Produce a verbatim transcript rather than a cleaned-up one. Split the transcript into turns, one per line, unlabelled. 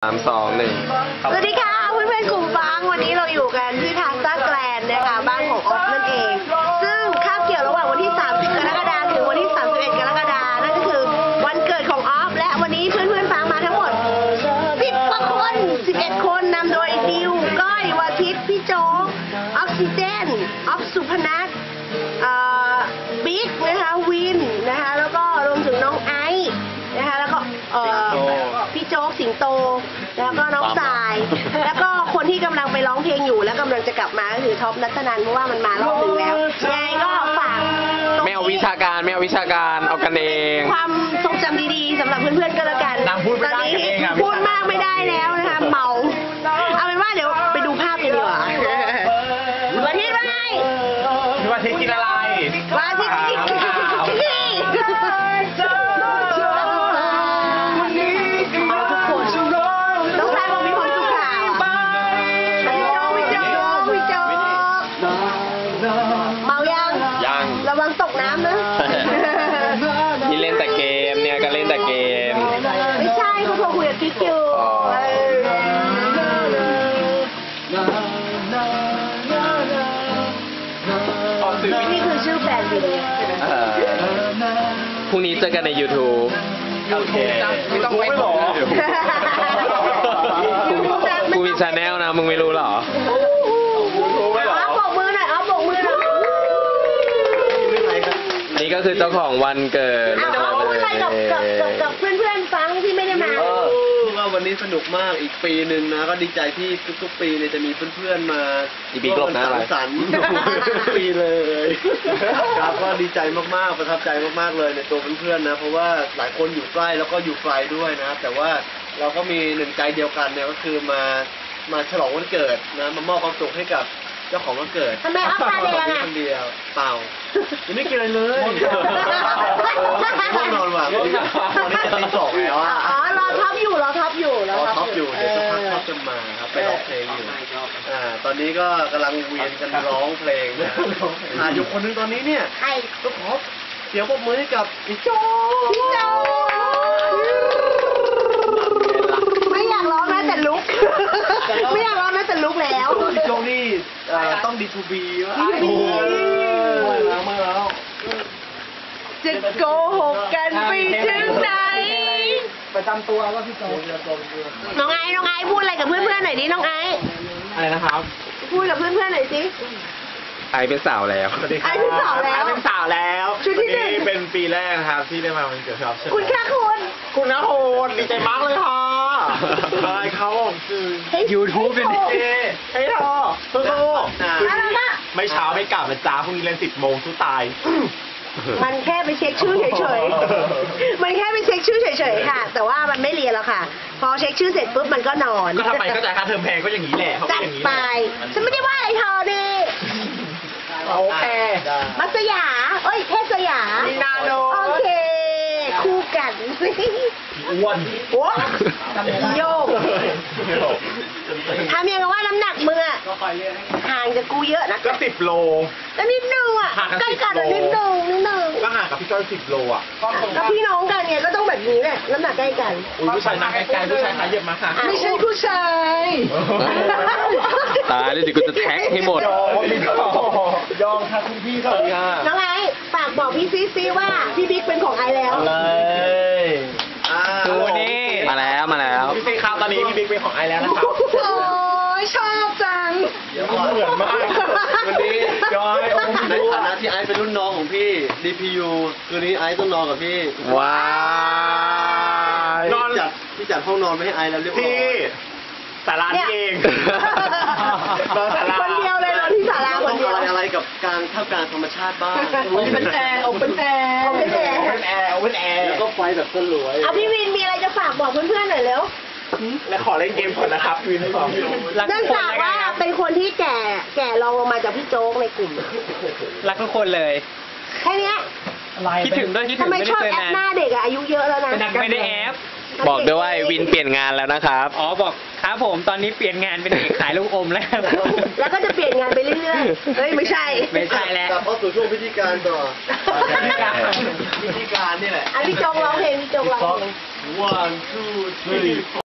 สามสองหนึ่ง
สวัสดีค่ะเพื่อนๆกลุ่มฟังวันนี้เราอยู่กันที่พาสต้าแกรนด์นะคะบ้านของออฟนั่นเอง ซึ่งคาบเกี่ยวระหว่างวันที่สามสิบกรกฎาคมถึงวันที่สามสิบเอ็ดกรกฎาคมนั่นก็คือวันเกิดของออฟและวันนี้เพื่อนๆฟังมาทั้งหมดสิบกว่าคนสิบเอ็ดคนนำโดยดิวก้อยวาทิตพี่โจ๊กออกซิเจนออฟสุพนัทบิ๊กนะคะวินนะคะแล้วก็รวมถึงน้องไอซ์นะคะแล้วก็เอ่อพี่โจ๊กสิงโตแล้วก็น้องสาย แล้วก็คนที่กำลังไปร้องเพลงอยู่แล้วกำลังจะกลับมาก็คือท็อปนัทนันเพราะว่ามันมารอบหนึ่งแล้วยังไงก็ฝาก
ไม่เอาวิชาการไม่เอาวิชาการเอากันเอง
ความทรงจำดีๆสำหรับเพื่อนๆก็แล้วกันตอนนี้พูดมากไม่ได้แล้วนะคะเมาเอาเป็นว่าเดี๋ยวไปดูภาพกันดีกว่าวันที่ว่าไง
วันที่กินอะไร
วันที่กินเอาทุกคนต้องใช้บอกมีคนสุขาวพี่โจ๊กพี่โจ๊กพี่โจ๊กเมายัง
ยัง
ระวังตกน้ำนะ
ที่เล่นแต่เกมเนี่ยก็เล่นแต่เกม
ไม่ใช่เขาโทรคุยกับกิ๊กอยู่นี่คือชื่อแฟนวิน
เออพรุ่งนี้เจอกันใน YouTube
โอเคไม่ต้องไม่บอก
กูมีชาแนลนะมึงไม่รู้เหรอ
อ๋อบอกมือหน่อยอ๋อบอกมือหน่อย
นี่ก็คือเจ้าของวันเกิด
เอาเอาพูดอะไรกับกับกับกับเพื่อนๆฟังที่ไม่ได้มา
ว่าวันนี้สนุกมากอีกปีหนึ่งนะก็ดีใจที่ทุกๆปีเนี่ยจะมีเพื่อนๆมา
อีปีกลบหน้า
สั
อะไร
งสรรค์ทุกปีเลยครับก็ดีใจมากๆประทับใจมากๆเลยในตัวเพื่อนๆนะเพราะว่าหลายคนอยู่ใกล้แล้วก็อยู่ไกลด้วยนะครับแต่ว่าเราก็มีหนึ่งใจเดียวกันเนี่ยก็คือมามาฉลองวันเกิดนะมามอบความสุขให้กับเจ้าของวันเกิด
ทำไมอัพตาแดงอ่ะ
คนเดียวเปล่ายังไม่กินอะไรเลยง่วงนอนว่ะวันนี้จะตีสองแล้วอ่ะ
อ๋อรอท็อปอยู่รอท็อปอยู่ร
ร
อ
อ
ท็
ท็
อ
อ
ป
ป
อ
อยู่ ยู่เดี๋ยวสักพักท็อปจะมาครับไปร้องเพลงอยู่อ่าตอนนี้ก็กำลังเวียนกันร้องเพลงนะหาอยู่คนนึงตอนนี้เนี่ย
ใคร
ก็ขอเสียงปรบมือให้กับพี่โจ
พี่โจไม่อยากร้องนะแต่ลุกไม่อยากร้องนะแต่ลุกแล้ว
พี่โจนี่เอ่อต้องดีทูบีว่า
ดีทูบี
แล้วมาแล้ว
จะโกหกกันไปถึงไหน
ประจำตัวว่าพี่โจ
น้องไอ้น้องไอ้พูดอะไรกับเพื่อนๆหน่อยดิน้องไอ้
อะไรนะครับ
พูดกับเพื่อนๆหน่อยสิ
ไอเป็นสาวแล้ว
สวัสดีครับ
ไอ้เป็นสาวแล้ว
ไอ้เป็นสาวแล้ว
ชุดที่หนึ่ง
วัเป็นปีแรกนะครับที่ได้มาวันเกิดครับ
คุณค่าคุณ
คุณนะโหดดีใจมากเลยค่ะบายเขาคือ
เฮ้ย
ยูทูบเป็นดีเจเฮ้ยเธอสู้
อะไรนะ
ๆไม่เช้าไม่กลับนะจ๊ะพรุ่งนี้เรียนสิบโมงสู้ตาย
มันแค่ไปเช็คชื่อเฉยๆ มันแค่ไปเช็คชื่อเฉยๆ ค่ะ แต่ว่ามันไม่เรียนแล้วค่ะ พอเช็คชื่อเสร็จปุ๊บมันก็นอน
ก็ทำไมก็จ่ายค่าเทอมแพงก็อย่างนี้แหละเขาก็
จัด
อย่างนี้
ไป ฉันไม่ได้ว่าอะไรเธอดิ
โอเค
มัสยา เอ้ยเทพสยา
มีนาโน
โอเค คู่กัน
อ้วน
โอ้โยกทำยังไงว่าน้ำหนักมึงอะห่างจากกูเยอะนะ
ก็สิบโล
ก็นิดนึงอะ
ห่างกัน
ใกล้กันอะ
สิ
นิ
บ
ด
โล
นึงนิดนึง
ก็ห่างกับพี่จ้อยสิบโลอ่ะ
ก็พี่น้องกันไงก็ต้องแบบนี้แหละน้ำหนักใกล้กัน
อุ้ยผู้ชายมาไกลๆผู้ชายขาเหยียบมาค่ะ
ไม่ใช่ผู้ชาย
ตายแล้วเดี๋ยวกูจะแท็กให้หมด
ยอมยอมค่ะคุณพี่ค่ะ
น้องไอซ์ฝากบอกพี่ซีซีว่าพี่บิ๊กเป็นของไอซ์แล้ว
เลยอ่า
ดูนี่มาแล้วมาแล้ว
พี่ซีครับตอนนี้พี่บิ๊กเป็นของไอแล้วนะครับ
โอ้ยชอบจัง
เหมือนมาก
วันนี้
จอยโอม
ใน
ดู
ฐานะที่ไอซ์เป็นรุ่นน้องของพี่ ดี พี ยู คืนนี้ไอซ์ต้องนอนกับพี่
ว้าย
นอน
จัดพี่จัดห้องนอนไว้ให้ไอซ์แล้วเรียบร้อ
พี่
ย
สารานี่เอง นอนศาลา
คนเดียวเลยนอนที่ศาลาค
ต้อน ง
เดียว
อะไรอะไรกับการท่ามกลางธรรมชาติบ้าง
เป็นแอร์โอเป็นแอร์โอเป็นแอร์
โอเปนแอร์โอเปนแอร์
แล้วก็ไฟแบบสลวย
เอาพี่วินมีอะไรจะฝากบอกเพื่อนๆหน่อยเร็ว
และขอเล่นเกมก่อนนะครับวินให้บอก
เนื่องจากว่าเป็นคนที่แก่แก่รองลงมาจากพี่โจ๊กในกลุ่ม
รักทุกคนเลย
แค่เนี้ย
คิดถึงด้วยคิดถึ
ทำ
ง
ไม
ไม่
ช
ได้
อบ
เจอ
แอป
นาน
หน้าเด็กอะอายุเยอะแล้วนะ
ไม่ได้แอป
บอกด้วยว่าไอ้วินเปลี่ยนงานแล้วนะครับ
อ๋อบอกครับผมตอนนี้เปลี่ยนงานเป็นเด็กขายลูกอมแล้ว
แล้วก็จะเปลี่ยนงานไปเรื่อยๆ เฮ้ยไม่ใช่
ไม่ใช่แล้ว
กลับเข้าสู่ช่วงพิธีการต่อ
พิธีการ
พิธีการนี่แหละ
อันพี่โจ๊กร้องเพลงพี่โจ๊กร้องเพลง
one two three